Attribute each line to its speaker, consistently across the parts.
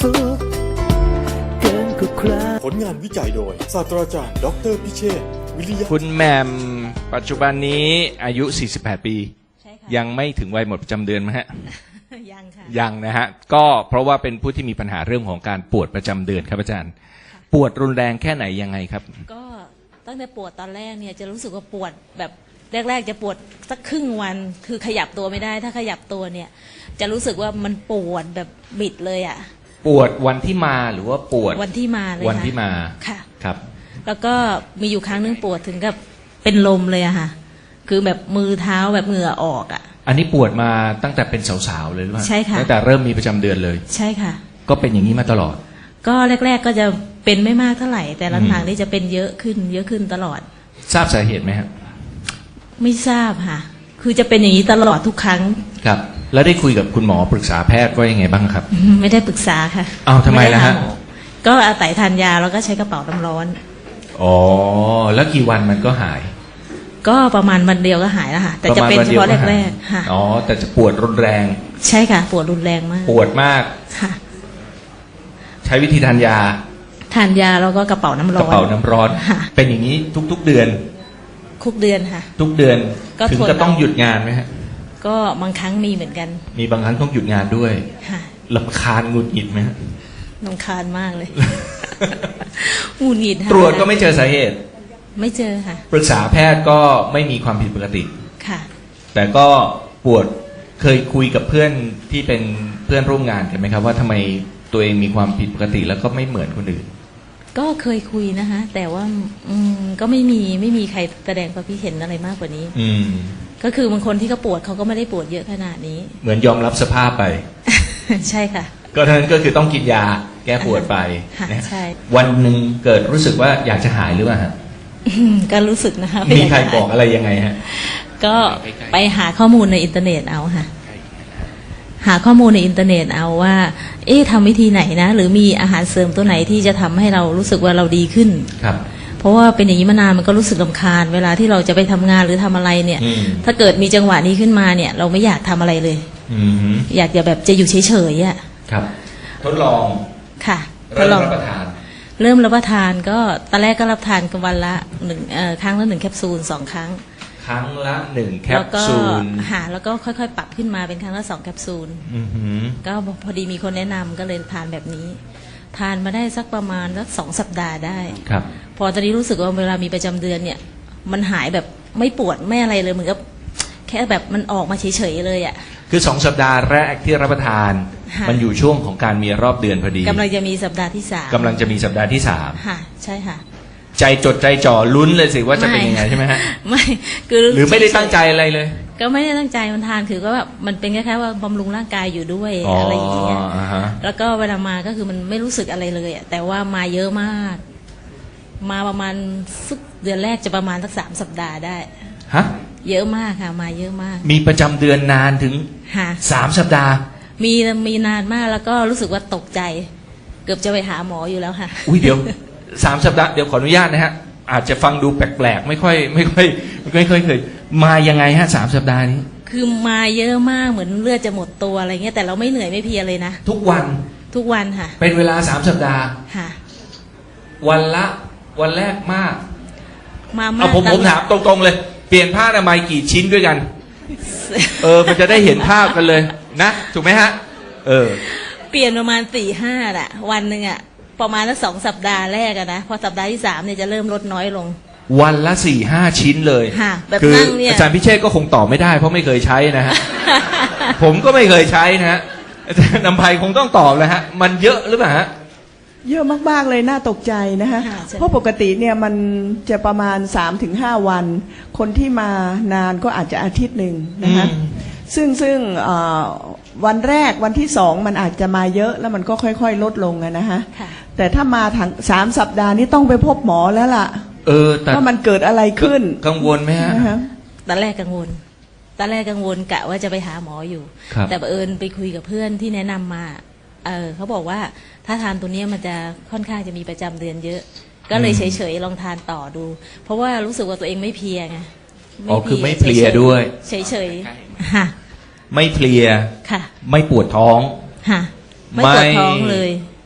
Speaker 1: สุขเกินกว่าใคร
Speaker 2: ผลงานวิจัยโดยศาสตราจารย์ดออเตอร์พิเชษฐ์วิริยะ
Speaker 3: คุณแหม่มปัจจุบันนี้อายุ 48 ปี
Speaker 4: ใช่ค่ะ
Speaker 3: ยังไม่ถึงวัยหมดประจำเดือนไหมฮะ
Speaker 4: ยังค่ะ
Speaker 3: ยังนะฮะ ก็เพราะว่าเป็นผู้ที่มีปัญหาเรื่องของการปวดประจำเดือนครับอาจารย์ ปวดรุนแรงแค่ไหนยังไงครับ
Speaker 4: ก็ตั้งแต่ปวดตอนแรกเนี่ยจะรู้สึกว่าปวดแบบแรกๆจะปวดสักครึ่งวันคือขยับตัวไม่ได้ถ้าขยับตัวเนี่ยจะรู้สึกว่ามันปวดแบบบิดเลยอ่ะ
Speaker 3: ปวดวันที่มาหรือว่าปวด
Speaker 4: วันที่มาเลย
Speaker 3: วันที่มา
Speaker 4: ค่ะ
Speaker 3: ครับ
Speaker 4: แล้วก็มีอยู่ครั้งนึงปวดถึงกับเป็นลมเลยอะค่ะคือแบบมือเท้าแบบเหงื่อออกอะ
Speaker 3: อันนี้ปวดมาตั้งแต่เป็นสาวๆเลยหรือเปล่า
Speaker 4: ใช่ค่ะ
Speaker 3: ตั้งแต่เริ่มมีประจำเดือนเลย
Speaker 4: ใช่ค่ะ
Speaker 3: ก็เป็นอย่างนี้มาตลอด
Speaker 4: ก็แรกๆก็จะเป็นไม่มากเท่าไหร่ แต่หลังๆนี่จะเป็นเยอะขึ้นตลอด
Speaker 3: ทราบสาเหตุไหมครับ
Speaker 4: ไม่ทราบค่ะ คือจะเป็นอย่างนี้ตลอดทุกครั้ง
Speaker 3: ครับ แล้วได้คุยกับคุณหมอปรึกษาแพทย์ว่ายังไงบ้างครับ
Speaker 4: ไม่ได้ปรึกษาค่ะ
Speaker 3: อ้าวทำไมล่ะฮะ
Speaker 4: ด้หาหอก็อาศัยทานยาแล้วก็ใช้กระเป๋าน้ำร้อน
Speaker 3: อ๋อ แล้วกี่วันมันก็หาย
Speaker 4: ก็ประมาณวันเดียวก็หายแล้วค่ะ แต่จะเป็นเฉพาะแรกๆค่ะ
Speaker 3: อ๋อ แต่จะปวดรุนแรง
Speaker 4: ใช่ค่ะ ปวดรุนแรงมาก
Speaker 3: ปวดมาก
Speaker 4: ค่ะ
Speaker 3: ใช้วิธีทานยา
Speaker 4: ทานยาแล้วก็กระเป๋าน้ำ
Speaker 3: ก
Speaker 4: ร้
Speaker 3: ระ
Speaker 4: อน
Speaker 3: เป๋าน้ำร้อน
Speaker 4: ค่ะ
Speaker 3: เป็นอย่างนี้ทุกๆเดือน
Speaker 4: คุกเดือนค่ะ
Speaker 3: ทุกเดือน
Speaker 4: ก็
Speaker 3: ถึง
Speaker 4: ทน
Speaker 3: ก็ต้อง
Speaker 4: เอา
Speaker 3: หยุดงานไหมฮะ
Speaker 4: ก็บางครั้งมีเหมือนกัน
Speaker 3: มีบางครั้งต้องหยุดงานด้วย
Speaker 4: ค่ะ
Speaker 3: รำคาญหงุดหงิดไหมฮะ
Speaker 4: รำคาญมากเลย หงุดหงิดค่ะ
Speaker 3: ตรวจก็ไม่เจอสาเหตุ
Speaker 4: ไม่เจอค่ะ
Speaker 3: ปรึกษาแพทย์ก็ไม่มีความผิดปกติ
Speaker 4: ค่ะ
Speaker 3: แต่ก็ปวดเคยคุยกับเพื่อนที่เป็นเพื่อนร่วมงานกันไหมครับ ว่าทำไมตัวเองมีความผิดปกติแล้วก็ไม่เหมือนคนอื่น
Speaker 4: ก็เคยคุยนะคะ แต่ว่าก็ไม่มีใครแสดงความคิดเห็นอะไรมากกว่านี้
Speaker 3: อืม
Speaker 4: ก็คือบางคนที่เขาปวดเขาก็ไม่ได้ปวดเยอะขนาดนี้
Speaker 3: เหมือนยอมรับสภาพไป
Speaker 4: ใช่ค่ะ
Speaker 3: ก็เท่านั้นก็คือต้องกินยาแก้ปวดไป
Speaker 4: ค่ะ
Speaker 3: นะ
Speaker 4: ใช่
Speaker 3: วันหนึ่งเกิดรู้สึกว่าอยากจะหายหรือเปล่าฮะ
Speaker 4: ก็รู้สึกนะคะ
Speaker 3: มีใครบอกอะไรยังไงฮะ
Speaker 4: ก็ไปหาข้อมูลในอินเทอร์เน็ตเอาค่ะ หาข้อมูลในอินเทอร์เน็ตเอาว่า ทำวิธีไหนนะ หรือมีอาหารเสริมตัวไหนที่จะทำให้เรารู้สึกว่าเราดีขึ้น
Speaker 3: ครับ
Speaker 4: เพราะว่าเป็นอย่างนี้มานานมันก็รู้สึกรำคาญ เวลาที่เราจะไปทำงานหรือทำอะไรเนี่ย
Speaker 3: อืม
Speaker 4: ถ้าเกิดมีจังหวะนี้ขึ้นมาเนี่ย เราไม่อยากทำอะไรเลย
Speaker 3: อืมฮึ
Speaker 4: อยากจะแบบจะอยู่เฉยๆอ่ะ
Speaker 3: ครับ ทดลอง
Speaker 4: ค่ะท
Speaker 3: เริ่
Speaker 4: ด
Speaker 3: ม
Speaker 4: ลอง
Speaker 3: รับประทาน
Speaker 4: เริ่มรับประทานก็ตอนแรกก็รับทานกันวันละครั้งละ1 แคปซูล 2 ครั้ง
Speaker 3: ครั้งละ1 แค
Speaker 4: แล้
Speaker 3: ป
Speaker 4: วก็
Speaker 3: ซูล
Speaker 4: แล้วก็ค่อยๆ ปรับขึ้นมาเป็นครั้งละ2 แคปซูล
Speaker 3: อือหือ
Speaker 4: ก็พอดีมีคนแนะนำก็เลยทานแบบนี้ ทานมาได้สักประมาณสัก2 สัปดาห์ได้
Speaker 3: ครับ
Speaker 4: พอตอนนี้รู้สึกว่าเวลามีประจำเดือนเนี่ย มันหายแบบไม่ปวดไม่อะไรเลยเหมือนกับแค่แบบมันออกมาเฉยๆเลยอ่ะ
Speaker 3: คือ2 สัปดาห์แรกที่รับประทาน
Speaker 4: ค่ะ
Speaker 3: มันอยู่ช่วงของการมีรอบเดือนพอดี
Speaker 4: กำลังจะมีสัปดาห์ที่3
Speaker 3: กำลังจะมีสัปดาห์ที่
Speaker 4: ค่ะ ใช่ค่ะ
Speaker 3: 3 ใจจดใจจ่อลุ้นเลยสิว่าจะเป็นยังไงใช่ไหมฮะ
Speaker 4: ไม่คือ
Speaker 3: หรือไม่ได้ตั้งใจอะไรเลย
Speaker 4: ก็ไม่ได้ตั้งใจมันทานคือก็แบบมันเป็นแค่ว่าบำรุงร่างกายอยู่ด้วยอะไรอย่างเงี้ย
Speaker 3: อ่าฮะ
Speaker 4: แล้วก็เวลามาก็คือมันไม่รู้สึกอะไรเลยอะแต่ว่ามาเยอะมาก มาประมาณสักเดือนแรกจะประมาณสัก3 สัปดาห์ได้
Speaker 3: ฮะ
Speaker 4: เยอะมากค่ะ มาเยอะมาก
Speaker 3: มีประจำเดือนนานถึง
Speaker 4: ค่ะ
Speaker 3: 3 สัปดาห์
Speaker 4: มีนานมากแล้วก็รู้สึกว่าตกใจ เกือบจะไปหาหมออยู่แล้วค่ะ
Speaker 3: อุ้ยเดี๋ยว 3 สัปดาห์เดี๋ยวขออนุญาตนะฮะ อาจจะฟังดูแปลกๆไม่ค่อยเคยมายังไงฮะ3 สัปดาห์นี้
Speaker 4: คือมาเยอะมากเหมือนเลือดจะหมดตัวอะไรเงี้ยแต่เราไม่เหนื่อยไม่เพลียเลยนะ
Speaker 3: ทุกวัน
Speaker 4: ทุกวันค่ะ
Speaker 3: เป็นเวลา3 สัปดาห์
Speaker 4: ค่ะ
Speaker 3: วันแรกมาก
Speaker 4: มามาก
Speaker 3: เอาผม
Speaker 4: ตลอด
Speaker 3: ถามตรงๆเลย เปลี่ยนผ้าอนามัยกี่ชิ้นด้วยกัน มันจะได้เห็นภาพกันเลยนะ ถูกไหมฮะ
Speaker 4: เปลี่ยนประมาณ4-5อะวันหนึ่งอะประมาณสัก2 สัปดาห์แรกอะนะพอสัปดาห์ที่3เนี่ยจะเริ่มลดน้อยลง
Speaker 3: วันละ 4-5 ชิ้นเลย
Speaker 4: ค่ะแบบ
Speaker 3: คือ
Speaker 4: นั่งเนี่ย
Speaker 3: อาจารย์พิเชษก็คงตอบไม่ได้เพราะไม่เคยใช้นะฮะ ผมก็ไม่เคยใช้นะฮะอาจารย์นำภัยคงต้องตอบแล้วฮะ มันเยอะหรือเปล่าฮะ
Speaker 5: เยอะมากๆเลยน่าตกใจนะคะ
Speaker 4: ค่ะใช่
Speaker 5: เพราะปกติเนี่ยมันจะประมาณ 3-5 วัน คนที่มานานก็อาจจะอาทิตย์หนึ่งนะคะ
Speaker 3: อืม
Speaker 5: ซึ่งวันแรกวันที่2มันอาจจะมาเยอะแล้วมันก็ค่อยๆลดลงอะนะคะ
Speaker 4: ค่ะ
Speaker 5: แต่ถ้ามาถึง3 สัปดาห์นี้ต้องไปพบหมอแล้วล่ะ
Speaker 3: แต่
Speaker 5: ว่ามันเกิดอะไรขึ้น
Speaker 3: กังวลไหมฮะ
Speaker 5: นะคะ
Speaker 4: ตอนแรกกังวลกะว่าจะไปหาหมออยู่
Speaker 3: ครับ
Speaker 4: แต่บังเอิญไปคุยกับเพื่อนที่แนะนำมาเขาบอกว่าถ้าทานตัวเนี้ยมันจะค่อนข้างจะมีประจำเดือนเยอะ ก็เลยเฉยๆลองทานต่อดู เพราะว่ารู้สึกว่าตัวเองไม่เพลียไง
Speaker 3: อ๋อคือไม่เพลียด้วย
Speaker 4: เฉยๆค่ะ
Speaker 3: ไม่เพลีย
Speaker 4: ค่ะ
Speaker 3: ไม่ปวดท้อง
Speaker 4: ค่ะไม่ปวดท้องเลย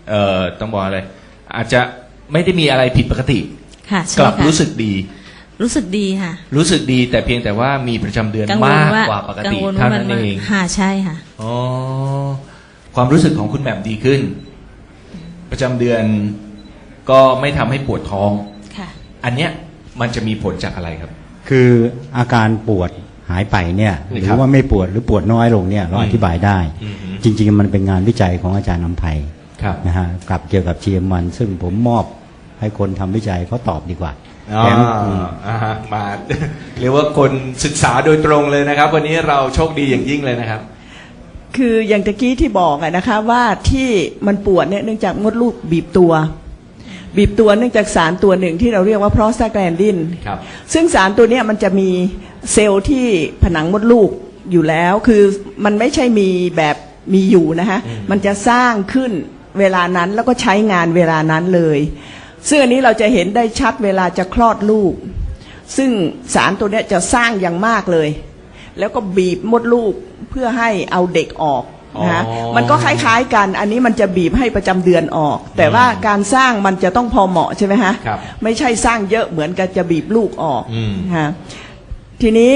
Speaker 3: ต้องบอกอะไรอาจจะไม่ได้มีอะไรผิดปกติ
Speaker 4: ค่ะใช่
Speaker 3: กลับ
Speaker 4: ค่ะ
Speaker 3: รู้สึกดี
Speaker 4: รู้สึกดีค่ะ
Speaker 3: รู้สึกดีแต่เพียงแต่ว่ามีประจำเดือน
Speaker 4: กังวล
Speaker 3: มาก
Speaker 4: ว่าก
Speaker 3: ว่าปก
Speaker 4: กั
Speaker 3: ติ
Speaker 4: งวล
Speaker 3: เท่า
Speaker 4: ว่ามั
Speaker 3: นั้นเอง
Speaker 4: ค่ะใช่ค่ะ
Speaker 3: อ๋อความรู้สึกของคุณแหม่มดีขึ้น ประจำเดือนก็ไม่ทำให้ปวดท้อง
Speaker 4: ค่ะ
Speaker 3: อันเนี้ยมันจะมีผลจากอะไรครับ
Speaker 6: คืออาการปวดหายไปเนี่ยห
Speaker 3: นี่
Speaker 6: รื
Speaker 3: ครั
Speaker 6: อบ ว่าไม่ปวดหรือปวดน้อยลงเนี่ยเรา
Speaker 3: อืม
Speaker 6: อธิบายได้
Speaker 3: อือฮึ
Speaker 6: จริงๆมันเป็นงานวิจัยของอาจารย์นำไพ
Speaker 3: ครับ
Speaker 6: นะฮะกับเกี่ยวกับ GM1 ซึ่งผมมอบให้คนทำวิจัยเขาตอบดีกว่า
Speaker 3: อ๋อ
Speaker 6: แถม
Speaker 3: ฮะมา เรียกว่าคนศึกษาโดยตรงเลยนะครับ วันนี้เราโชคดีอย่างยิ่งเลยนะครับ
Speaker 5: คืออย่างตะกี้ที่บอกอะนะคะว่าที่มันปวดเนี่ยเนื่องจากมดลูกบีบตัวเนื่องจากสารตัวหนึ่งที่เราเรียกว่าโปรสตาแกลนดิน
Speaker 3: ครับ
Speaker 5: ซึ่งสารตัวเนี้ยมันจะมีเซลล์ที่ผนังมดลูกอยู่แล้วคือมันไม่ใช่มีแบบมีอยู่นะคะ
Speaker 3: อืม
Speaker 5: มันจะสร้างขึ้นเวลานั้นแล้วก็ใช้งานเวลานั้นเลยซึ่งอันนี้เราจะเห็นได้ชัดเวลาจะคลอดลูกซึ่งสารตัวเนี้ยจะสร้างอย่างมากเลยแล้วก็บีบมดลูกเพื่อให้เอาเด็กออกนะคะ
Speaker 3: อ๋อ
Speaker 5: มันก็คล้ายๆกันอันนี้มันจะบีบให้ประจำเดือนออก แต่ว่าการสร้างมันจะต้องพอเหมาะใช่ไหมฮะ
Speaker 3: ครับ
Speaker 5: ไม่ใช่สร้างเยอะเหมือนกับจะบีบลูกออก
Speaker 3: อืม
Speaker 5: ฮะทีนี้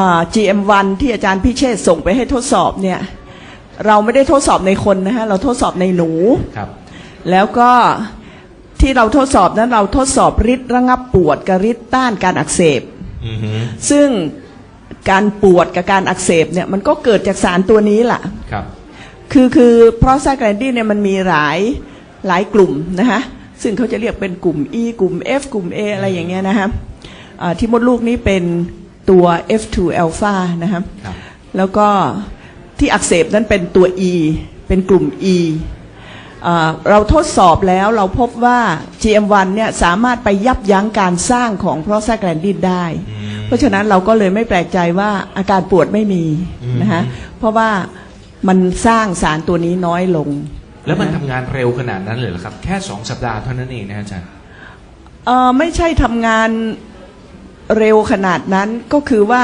Speaker 5: GM1 ที่อาจารย์พิเชษฐ์ส่งไปให้ทดสอบเนี่ยเราไม่ได้ทดสอบในคนนะฮะเราทดสอบในหนู
Speaker 3: ครับ
Speaker 5: แล้วก็ที่เราทดสอบนั้นเราทดสอบฤทธิ์ระงับปวดกับฤทธิ์ต้านการอักเสบ
Speaker 3: อือฮึ
Speaker 5: ซึ่งการปวดกับการอักเสบเนี่ยมันก็เกิดจากสารตัวนี้แหละ
Speaker 3: ครับ
Speaker 5: คือโปรสตาแกลนดินเนี่ยมันมีหลายกลุ่มนะคะซึ่งเขาจะเรียกเป็นกลุ่ม E กลุ่ม F กลุ่ม A อะไรอย่างเงี้ยนะคะที่มดลูกนี้เป็นตัว F2 อัลฟานะคะ
Speaker 3: ครับ
Speaker 5: แล้วก็ที่อักเสบนั้นเป็นตัว E เป็นกลุ่ม E เราทดสอบแล้วเราพบว่า GM1 เนี่ยสามารถไปยับยั้งการสร้างของโปรสตาแกลนดินได้ เพราะฉะนั้นเราก็เลยไม่แปลกใจว่าอาการปวดไม่มีนะคะเพราะว่ามันสร้างสารตัวนี้น้อยลง
Speaker 3: แล้วมันทำงานเร็วขนาดนั้นเลยเหรอครับ แค่2 สัปดาห์เท่านั้นเองนะอาจารย์
Speaker 5: ไม่ใช่ทำงานเร็วขนาดนั้นก็คือว่า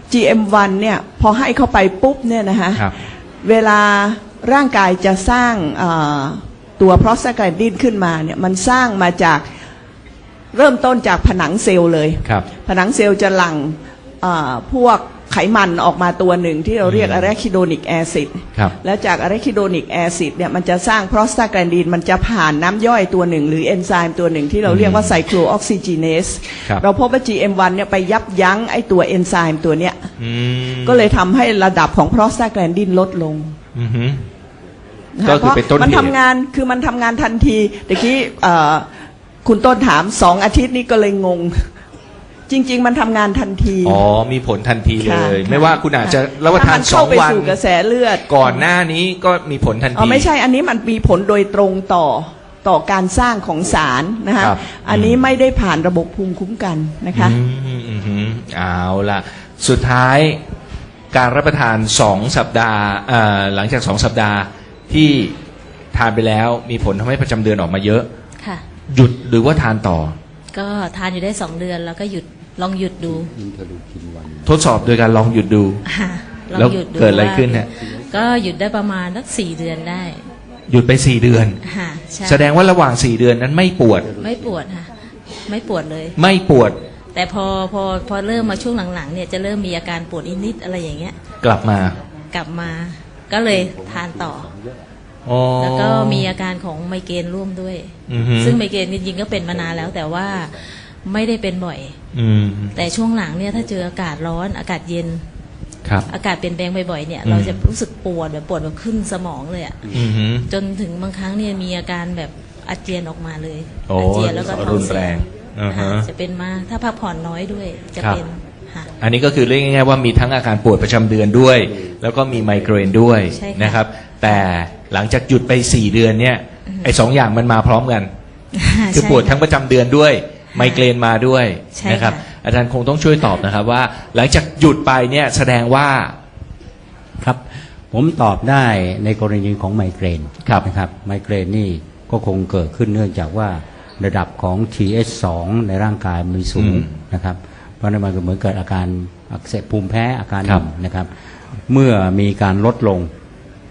Speaker 5: GM1 เนี่ยพอให้เข้าไปปุ๊บเนี่ยนะคะ
Speaker 3: ครับ
Speaker 5: เวลาร่างกายจะสร้างตัวโปรสตาแกลนดินขึ้นมาเนี่ยมันสร้างมาจากเริ่มต้นจากผนังเซลล์เลย
Speaker 3: ครับ
Speaker 5: ผนังเซลล์จะหลั่งพวกไขมันออกมาตัวหนึ่งที่เราเรียกอะเรคิโดนิกแอซิด
Speaker 3: ครับ
Speaker 5: แล้วจากอะเรคิโดนิกแอซิดเนี่ยมันจะสร้างโปรสตาแกลนดินมันจะผ่านน้ำย่อยตัวหนึ่งหรือเอนไซม์ตัวหนึ่งที่เราเรียกว่าไซโคลออกซิจีเนส
Speaker 3: ครับ
Speaker 5: เราพบว่า GM1 เนี่ยไปยับยั้งไอตัวเอนไซม์ตัวเนี้ย
Speaker 3: อืม
Speaker 5: ก็เลยทำให้ระดับของโปรสตาแกลนดินลดลง
Speaker 3: อือฮึ
Speaker 5: นะ
Speaker 3: ก็
Speaker 5: คะ
Speaker 3: คือเป็นต้นเหตุ
Speaker 5: มันทำงานคือมันทำงานทันทีตะกี้คุณต้นถาม2 อาทิตย์นี้ก็เลยงง จริง ๆ มันทำงานทันที
Speaker 3: อ๋อมีผลทันทีเล
Speaker 5: ค่ะ
Speaker 3: ย
Speaker 5: ค่ะ
Speaker 3: ไม่ว่าคุณอาจจะรับประทาน
Speaker 5: ถ้มัเข้าไป
Speaker 3: 2 วัน
Speaker 5: สู่กระแสเลือด
Speaker 3: ก่อนหน้านี้ก็มีผลทันที
Speaker 5: ไม่ใช่อันนี้มันมีผลโดยตรงต่อการสร้างของสารนะคะ
Speaker 3: ครับ
Speaker 5: อันนี้ไม่ได้ผ่านระบบภูมิคุ้มกันนะคะ
Speaker 3: เอาล่ะ สุดท้ายการรับประทาน2 สัปดาห์หลังจาก 2 สัปดาห์ที่ทานไปแล้วมีผลทำให้ประจำเดือนออกมาเยอะ
Speaker 4: ค่ะ
Speaker 3: หยุดหรือว่าทานต่อ
Speaker 4: ก็ทานอยู่ได้2 เดือนแล้วก็ลองหยุดดู
Speaker 3: ทดสอบโดยการลองหยุดดู
Speaker 4: ค่ะลอง
Speaker 3: แล้ว
Speaker 4: หยุดดู
Speaker 3: เกิดอะไร
Speaker 4: ว่า
Speaker 3: ขึ้นฮะ
Speaker 4: ก็หยุดได้ประมาณสัก4 เดือนได้
Speaker 3: หยุดไป4 เดือน
Speaker 4: ค่ะใช่
Speaker 3: แสดงว่าระหว่าง4 เดือนนั้นไม่ปวด
Speaker 4: ไม่ปวดค่ะ ไม่ปวดเลย
Speaker 3: ไม่ปวด
Speaker 4: แต่พอเริ่มมาช่วงหลังๆเนี่ยจะเริ่มมีอาการปวดนิดๆอะไรอย่างเงี้ย
Speaker 3: กลับมา
Speaker 4: กลับมาก็เลยทานต่อ
Speaker 3: อ๋อ
Speaker 4: แล้วก็มีอาการของไมเกรนร่วมด้วย
Speaker 3: อือฮึ
Speaker 4: ซึ่งไมเกรนจริงๆก็เป็นมานานแล้วแต่ว่าไม่ได้เป็นบ่อย
Speaker 3: อืม
Speaker 4: แต่ช่วงหลังเนี่ยถ้าเจออากาศร้อนอากาศเย็น
Speaker 3: ครับ
Speaker 4: อากาศเปลี่ยนแปลงบ่อยๆเนี่ย
Speaker 3: อืม
Speaker 4: เราจะรู้สึกปวดแบบขึ้นสมองเลยอะ
Speaker 3: อือฮึ
Speaker 4: จนถึงบางครั้งเนี่ยมีอาการแบบอาเจียนออกมาเลย
Speaker 3: โอ้
Speaker 4: อาเจียนแล้วก็ท้อง
Speaker 3: รุน
Speaker 4: เสี
Speaker 3: แร
Speaker 4: ย
Speaker 3: งอ่าฮะ
Speaker 4: ค่ะจะเป็นมาถ้าพักผ่อนน้อยด้วยจะ
Speaker 3: ครับ
Speaker 4: เป็นค่ะ
Speaker 3: อันนี้ก็คือเรียกง่ายๆว่ามีทั้งอาการปวดประจำเดือนด้วย แล้วก็มีไมเกรนด้วย
Speaker 4: ใช่ค่ะ
Speaker 3: นะครับ แต่หลังจากหยุดไป4 เดือนเนี่ยไอ้2 อย่างมันมาพร้อมกัน คือ
Speaker 4: ใช่
Speaker 3: ปวดทั้งประจำเดือนด้วยไมเกรนมาด้วย
Speaker 4: ใช่
Speaker 3: นะครับ
Speaker 4: ค่ะ
Speaker 3: อาจารย์คงต้องช่วยตอบนะครับว่า หลังจากหยุดไปเนี่ยแสดงว่า
Speaker 6: ครับผมตอบได้ในกรณีของไมเกรน
Speaker 3: ครับ
Speaker 6: นะครับไมเกรนนี่ก็คงเกิดขึ้นเนื่องจากว่าระดับของ TH2 ในร่างกายมีสูงนะครับเพราะนั้นมันก็เหมือนเกิดอาการอักเสบภูมิแพ้อาการหนึ่งนะครับเมื่อมีการลดลง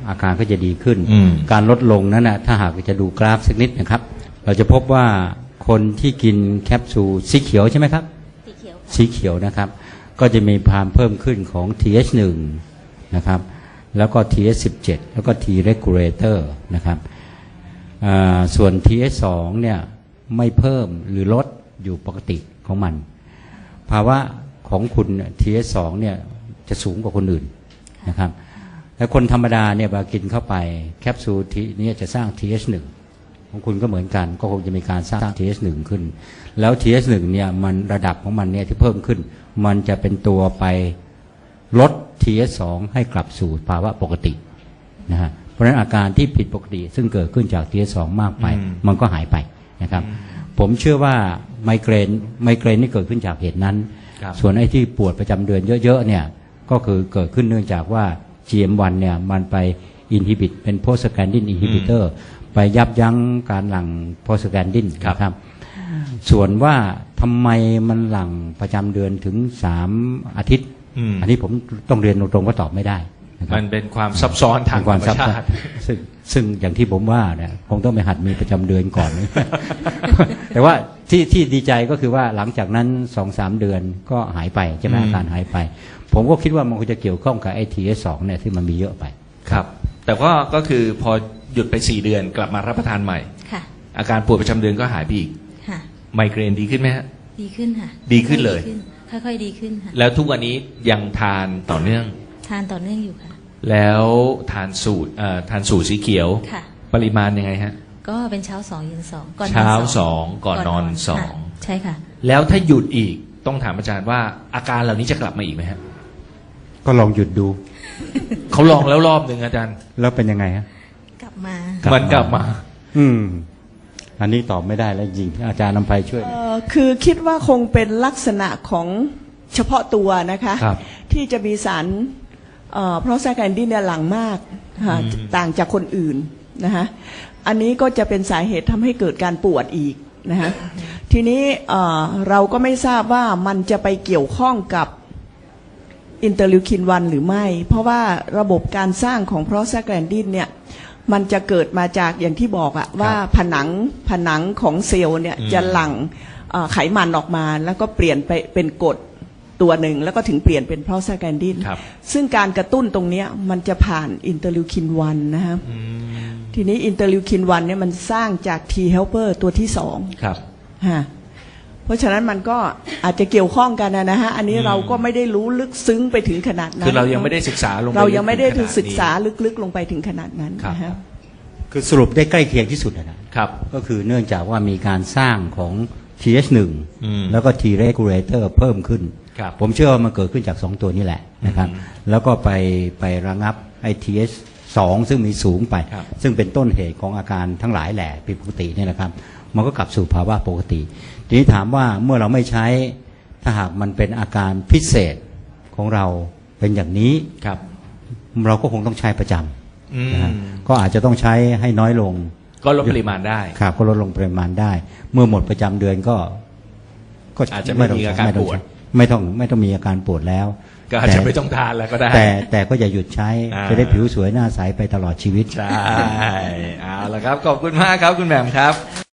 Speaker 6: อาการก็จะดีขึ้น
Speaker 3: อืม
Speaker 6: การลดลงนั้นนะถ้าหากจะดูกราฟสักนิดนะครับ เราจะพบว่าคนที่กินแคปซูลสีเขียวใช่ไหมครับ
Speaker 4: สีเขียวค่ะ
Speaker 6: สีเขียวนะครับ ก็จะมีความเพิ่มขึ้นของ TH1 นะครับแล้วก็ TH17 แล้วก็ T regulator นะครับส่วน TH2 เนี่ยไม่เพิ่มหรือลดอยู่ปกติของมัน ภาวะของคุณ TH2 เนี่ยจะสูงกว่าคนอื่นนะครับแต่คนธรรมดาเนี่ยเวลากินเข้าไปแคปซูลนี้จะสร้าง TH1 ของคุณก็เหมือนกันก็คงจะมีการสร้าง TH1 ขึ้นแล้ว TH1 เนี่ยมันระดับของมันเนี่ยที่เพิ่มขึ้นมันจะเป็นตัวไปลด TH2 ให้กลับสู่ภาวะปกตินะฮะเพราะฉะนั้นอาการที่ผิดปกติซึ่งเกิดขึ้นจาก TH2 มากไปมันก็หายไปนะครับผมเชื่อว่าไมเกรนนี่เกิดขึ้นจากเหตุนั้น
Speaker 3: ครับ
Speaker 6: ส่วนไอ้ที่ปวดประจำเดือนเยอะๆเนี่ยก็คือเกิดขึ้นเนื่องจากว่า GM1 เนี่ยมันไปอินฮิบิตเป็นโพสแกนดินอินฮิบิเตอร์ไปยับยั้งการหลั่งโพสแกนดินนะครับส่วนว่าทำไมมันหลั่งประจำเดือนถึง3 อาทิตย์ อันนี้ผมต้องเรียนตรงๆว่าตอบไม่ได้นะครับ
Speaker 3: มันเป็นความซับซ้อนทางธรรมชาติ
Speaker 6: ซึ่งอย่างที่ผมว่าเนี่ยคงต้องไปหัดมีประจำเดือนก่อน แต่ว่าที่ดีใจก็คือว่าหลังจากนั้น 2-3 เดือนก็หายไปใช่ไหมอาการหายไป ผมก็คิดว่ามันคงจะเกี่ยวข้องกับไอทีสองเนี่ยที่มันมีเยอะไป
Speaker 3: ครับ แต่ก็คือพอหยุดไป4 เดือนกลับมารับประทานใหม่
Speaker 4: ค่ะ
Speaker 3: อาการปวดประจำเดือนก็หายไปอีก
Speaker 4: ค่ะ
Speaker 3: ไมเกรนดีขึ้นไหมฮะ
Speaker 4: ดีขึ้นค่ะ
Speaker 3: ดีขึ้นเลย
Speaker 4: ค่อยๆดีขึ้นค่ะ
Speaker 3: แล้วทุกวันนี้ยังทานต่อเนื่อง
Speaker 4: ทานต่อเนื่องอยู่ค่ะ
Speaker 3: แล้วทานสูตรสีเขียว
Speaker 4: ค่ะ
Speaker 3: ปริมาณยังไงฮะ
Speaker 4: ก็เป็นเช้า2เย็น2ก่อนนอน
Speaker 3: เช้า
Speaker 4: 2
Speaker 3: 2ก่อนนอน
Speaker 4: ค่ะ
Speaker 3: 2
Speaker 4: ใช่ค่ะ
Speaker 3: แล้วถ้าหยุดอีกต้องถามอาจารย์ว่าอาการเหล่านี้จะกลับมาอีกไหมฮะ
Speaker 6: ก็ลองหยุดดู
Speaker 3: เขาลองแล้วรอบหนึ่งอาจารย์
Speaker 6: แล้วเป็นยังไงฮะ
Speaker 4: กลับมา
Speaker 3: มันกลับมา
Speaker 6: อันนี้ตอบไม่ได้แล้วจริงอาจารย์นำไพช่วยหน่อย
Speaker 5: คือคิดว่าคงเป็นลักษณะของเฉพาะตัวนะคะ
Speaker 3: ครับ
Speaker 5: ที่จะมีสารเพราะแซกแอนดินเนี่ยหลังมากค่ะต่างจากคนอื่นนะคะอันนี้ก็จะเป็นสาเหตุทำให้เกิดการปวดอีกนะคะทีนี้เราก็ไม่ทราบว่ามันจะไปเกี่ยวข้องกับอินเตอร์ลิวคิน1หรือไม่ เพราะว่าระบบการสร้างของโปรสแกรนดินเนี่ยมันจะเกิดมาจากอย่างที่บอกอะว่าผนังของเซลล์เนี่ยจะหลั่งไขมันออกมาแล้วก็เปลี่ยนไปเป็นกรดตัวหนึ่งแล้วก็ถึงเปลี่ยนเป็นโปรสแกรนดิน
Speaker 3: ครับ
Speaker 5: ซึ่งการกระตุ้นตรงเนี้ยมันจะผ่านอินเตอร์ลิวคิน1นะครับทีนี้อินเตอร์ลิวคิน1เนี่ยมันสร้างจาก T helper ตัวที่2
Speaker 3: ครับ
Speaker 5: ฮะเพราะฉะนั้นมันก็อาจจะเกี่ยวข้องกันนะฮะอันนี้เราก็ไม่ได้รู้ลึกซึ้งไปถึงขนาดนั้น
Speaker 3: คือเรายังไม่ได้ศึกษาลงป
Speaker 5: เรายังไม่ได้
Speaker 3: ลึกถึงขน
Speaker 5: ศึกษาลึกๆลงไปถึงขนาดนั้น
Speaker 3: ครับ
Speaker 5: นะฮะ
Speaker 6: คือสรุปได้ใกล้เคียงที่สุดนะครับ ก็คือเนื่องจากว่ามีการสร้างของ TH1 แล้วก็ T regulator เพิ่มขึ้น
Speaker 3: ครับ
Speaker 6: ผมเชื่อว่ามันเกิดขึ้นจาก2ตัวนี้แหละนะครับแล้วก็ไประงับไอ TH2 ซึ่งมีสูงไป
Speaker 3: ครับ
Speaker 6: ซึ่งเป็นต้นเหตุของอาการทั้งหลายแหละผิดปกติเนี่ยนะครับมันก็กลับสู่ภาวะปกติทีนี้ถามว่าเมื่อเราไม่ใช้ถ้าหากมันเป็นอาการพิเศษของเราเป็นอย่างนี้
Speaker 3: ครับ
Speaker 6: เราก็คงต้องใช้ประจ
Speaker 3: อืม
Speaker 6: ำนะฮะก็อาจจะต้องใช้ให้น้อยลง
Speaker 3: ก็ลดปริมาณได้
Speaker 6: ครับก็ลดลงปริมาณได้ เมื่อหมดประจำเดือนก็
Speaker 3: อาจจะไม่มีอาการปวด
Speaker 6: ไม่ต้องมีอาการปวดแล้ว
Speaker 3: ก็อาจจะไม่ต้องทานแล้วก็ได้
Speaker 6: แต่ก็อย่าหยุดใช้
Speaker 3: อ่า
Speaker 6: จะได้ผิวสวยหน้าใสไปตลอดชีวิต
Speaker 3: ใช่เอาละครับ ขอบคุณมากครับคุณแหม่มครับ